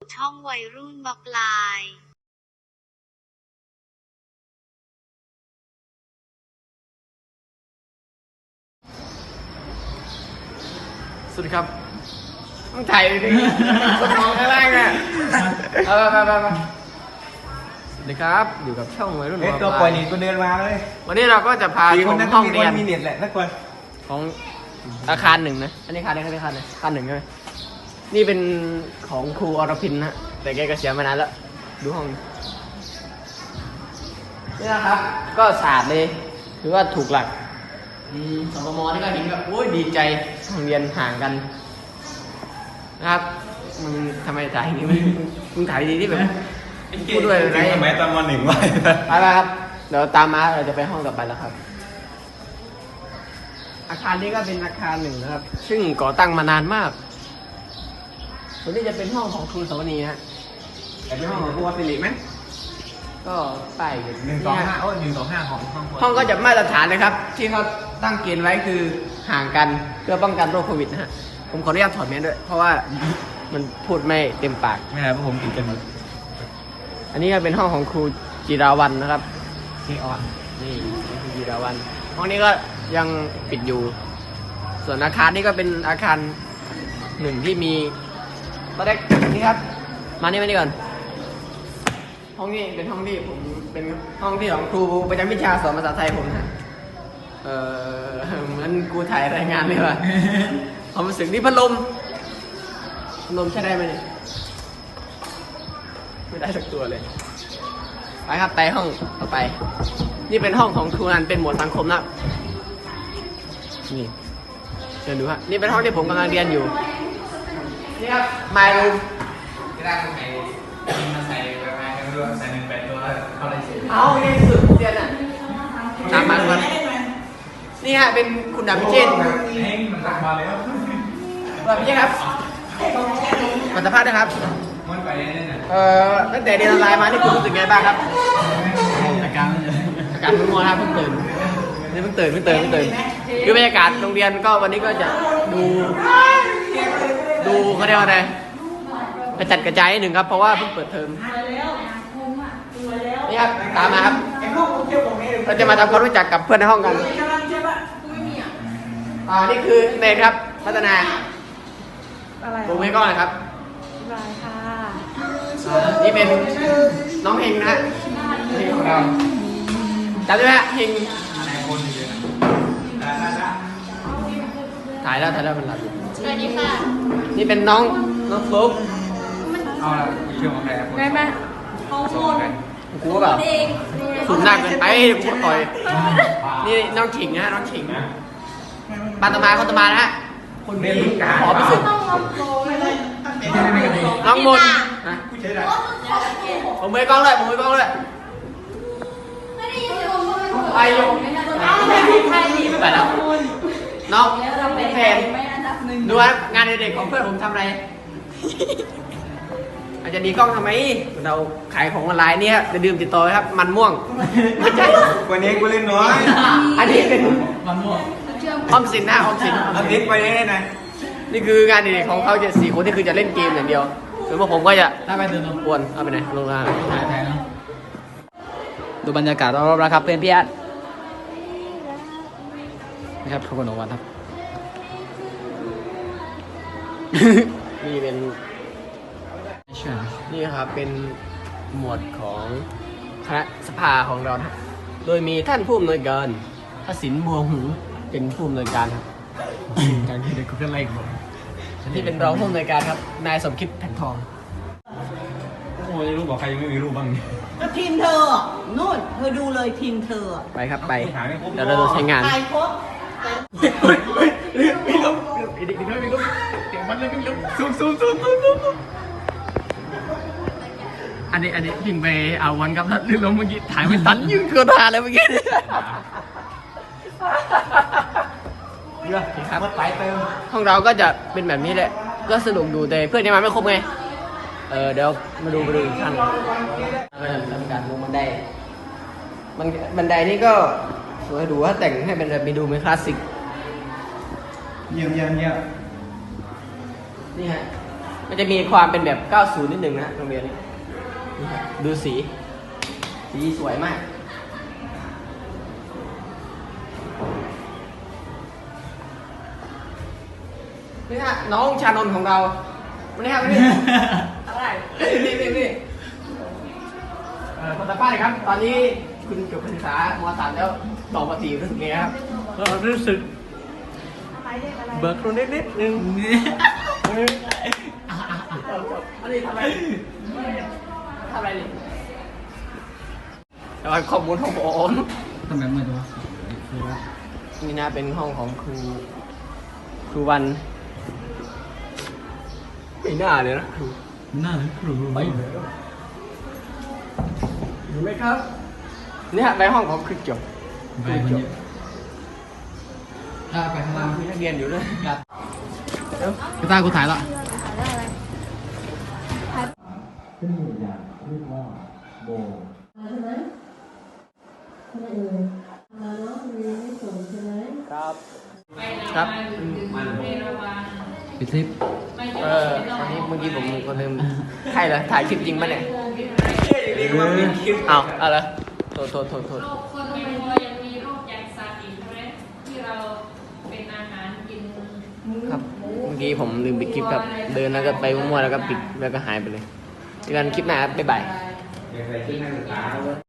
ช่องวัยรุ่นบล็อกไลน์สวัสดีครับต้องถ่ายดิสมองข้างล่างอ่ะไปสวัสดีครับอยู่กับช่องวัยรุ่นบล็อกไลน์ตัวปล่อยนี่ก็เดินมาเลยวันนี้เราก็จะพาชมห้องเรียนมีเน็ตแหละนักคนของอาคารหนึ่งนะอันนี้อาคารไหนอาคารไหนอาคารหนึ่งใช่ไหมนี่เป็นของครูอรพินนะแต่แกก็เสียมานานแล้วดูห้องนี่นะครับก็สะอาดเลยถือว่าถูกหลักสปมนี่ก็เห็นแบบโอ้ยดีใจโรงเรียนห่างกันนะครับมึงทำไมถ่ายอย่างนี้มึงถ่ายดีที่แบบพูดด้วยอะไรทำไมตอนม.1ไว้ไปครับเดี๋ยวตามมาเราจะไปห้องต่อไปแล้วครับอาคารนี้ก็เป็นอาคารหนึ่งนะครับซึ่งก่อตั้งมานานมากส่วนนี้จะเป็นห้องของครูสวนีฮะแต่เป็นห้องของครูวัสิริไหมก็ป้ายอยู่ 125โอ้125ของห้องก็จะมาตรฐานเลยครับ ที่เขาตั้งเกณฑ์ไว้คือห่างกันเพื่อป้องกันโรคโควิดนะฮะผมขออนุญาตถอดแมสด้วยเพราะว่ามันพูดไม่เต็มปากไม่ได้เพราะผมติดกันหมดอันนี้ก็เป็นห้องของครูจิราวันนะครับที่อ่อนนี่ครูจิราวันห้องนี้ก็ยังปิดอยู่ ส่วนอาคารนี้ก็เป็นอาคารหนึ่งที่มีตอนแรกนี่ครับมานี่ก่อนห้องนี้เป็นห้องที่ผมเป็นห้องที่ของครูประจำวิชาสอนภาษาไทยผมนะเหมือนกูถ่ายรายงานเลยว่ะความรู้สึกนี่พัดลมใช้ได้ไหมเนี่ยไม่ได้สักตัวเลยไปครับไปห้องต่อไปนี่เป็นห้องของครูนันเป็นหมวดสังคมนะนี่เดี๋ยวดูฮะนี่เป็นห้องที่ผมกำลังเรียนอยู่นี่ครับ my room ที่ได้คนไหนมาใส่ไปไหมไม่รู้ใส่1 8 ตัวเข้าอะไรเสร็จเอาเรียนสุดเรียนอ่ะตามมาครับนี่ฮะเป็นคุณดาบพิเชษฐ์เฮ้ยมันตักมาแล้วดาบพิเชษฐ์ครับขอสัมภาษณ์นะครับมันไปเนี่ยนะตั้งแต่เรียนออนไลน์มานี่คุณรู้สึกไงบ้างครับอาการอาการมึนงงครับเพิ่งตื่นนี่เพิ่งตื่นคือบรรยากาศโรงเรียนก็วันนี้ก็จะดูเขาเรียกว่าอะไรกระจัดกระจายนิดหนึ่งครับเพราะว่าเพิ่งเปิดเทอมนี่ครับตามมาครับเราจะมาทำความรู้จักกับเพื่อนในห้องกันนี่คือเนนครับพัฒนาปูไม่ก้อนนะครับนี่เป็นน้องเฮงนะฮะเฮงของเราจำได้ไหมฮะเฮงถ่ายแล้วมันหลับอยู่สวัสดีค่ะนี่เป็นน้องฟลุ๊กเอาละเชื่อของใครครับได้ไหมส่งของใครกูก็แบบสูงหนักเกินไปกูต่อยนี่น้องฉิงนะฮะน้องฉิงปาตมาคนตมานะฮะคนเรียนลูกกาขอพิสูจน์น้องมนนะผู้ใช้ได้ผมมือกล้องเลยไปยงไปแล้วน้องแฟนดูว่างานเด็กของเพื่อนผมทำอะไรอาจจะดีกล้องทำไมเราขายของออนไลน์เนี่ยจะดื่มติดต่อครับมันม่วงไม่ใช่วันนี้กูเล่นน้อยอันนี้เป็นมันม่วงออมสินนะออมสินอันนี้ไปได้ไหนนี่คืองานเด็กของเขาจะ4 คนที่คือจะเล่นเกมอย่างเดียวส่วนพวกผมก็จะถ้าไปเดินตรงกวนเอาไปไหนลงมาถ่ายเนาะดูบรรยากาศรอบๆนะครับเพื่อนพี่อาร์ตนะครับทุกคนออกวันครับ นี่เป็นนี่ครับเป็นหมวดของคณะสภาของเราครับโดยมีท่านผู้อำนวยการพระสินบัวหูเป็นผู้อำนวยการครับการที่เด็กคุยอะไรกันที่เป็นรองผู้อำนวยการครับนายสมคิดแผ่นทองโอ้ยรูปบอกใครยังไม่มีรูปบ้างก็ทีมเธอนู่นเธอดูเลยทีมเธอไปครับไปเดี๋ยวเราจะใช้งานถ่ายครบมีลมอีกมีลมเสียงมันเลยมีลมซูมอันนี้พิงไปเอาวันครับลืมลมเมื่อกี้ถ่ายไม่ทันยืนเกินหาเลยเมื่อกี้ครับห้องเราก็จะเป็นแบบนี้แหละก็สนุกดูแต่เพื่อนยังมาไม่ครบไงเดี๋ยวมาดูอีกครั้งทำการลงบันไดบันไดนี่ก็สวยดูว่าแต่งให้เป็นแบบมีดูเป็นคลาสสิกเยี่ยมนี่ฮะมันจะมีความเป็นแบบ 90 นิดนึงนะโรงเรียนนี้นี่ครับดูสีสวยมากนี่ฮะน้องชานนท์ของเราวันนี้ครับวันนี้อะไรนี่คนตาป้าเลยครับ ตอนนี้คุณจบการศึกษาม.3 แล้วต่อม.4รู้สึกไงครับก็รู้สึกเบิกตัวนิดนึงอันนี้ทำอะไรนี่แต่ว่าข้อมูลของผมทำไมมือตัวนี่นะเป็นห้องของครูวันไม่น่าเลยนะครูน่าเลยครูไม่อยู่ไหมครับเนี่ยในห้องของครูจบไปคนนี้ไปข้างล่างมีนักเรียนอยู่ด้วยกระตากูถ่ายละครับปิดซิปวันนี้เมื่อกี้ผมก็ลืมใช่เหรอถ่ายคลิปจริงปะเนี่ยเอาเหรอโทษโรคคนไม่พอยังมีโรคยางซาอีกใช่ไหมที่เราเป็นอาหารกินครับเมื่อกี้ผมลืมปิดคลิปครับเดินแล้วก็ไปมั่วๆแล้วก็ปิดแล้วก็หายไปเลยเจอกันคลิปหน้าครับบ๊ายบายเดี๋ยวไปที่นักศึกษา